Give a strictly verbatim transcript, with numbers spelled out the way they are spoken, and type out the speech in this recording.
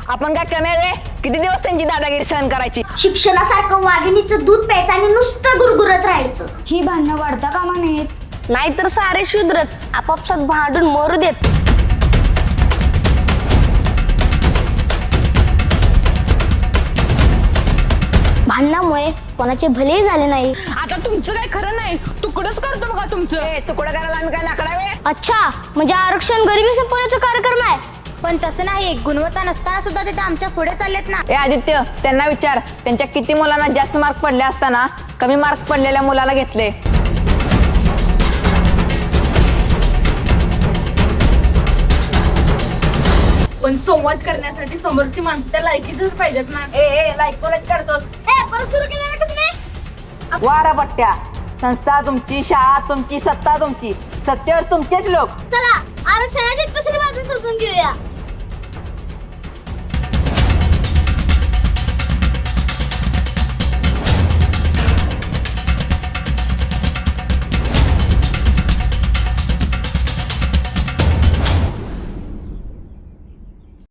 आपण काय कमी आहे? किती दिवस त्यांची दादागिरी सहन करायची? शिक्षणासारखं वाघिणीचं दूध प्यायचं आणि नुसतं गुरगुरत राहायचं. ही भांडणं वाढता कामा नयेत. नाहीतर सारे शूद्रच आपापसात भांडून मरू देत. भांडणामुळे कोणाचे भले झाले नाही. आता तुमचं काय खरं नाही, तुकडच करतो बघा तुमचं. ए तुकडं करायला आम्ही काय लाकडावे? अच्छा, म्हणजे आरक्षण गरिबी संपवण्याचा कार्यक्रम आहे. पण तसं नाही, गुणवत्ता नसताना सुद्धा ते आमच्या पुढे चाललेत ना. ए आदित्य, त्यांना विचार, त्यांच्या किती मुलांना जास्त मार्क पडले असताना कमी मार्क पडलेल्या मुलाला घेतले. पण संवाद करण्यासाठी समोरची माणसं त्या लायकीतच पाहिजेत ना. ए ए लाईक कोणाची करतोस? ए परत सुरू केलं ना तुम्ही. वारा पट्ट्या, संस्था तुमची, शाळा तुमची, सत्ता तुमची, सत्तेवर तुमचेच लोक. चला आरक्षणाची दुसरी बाजू समजून घेऊया.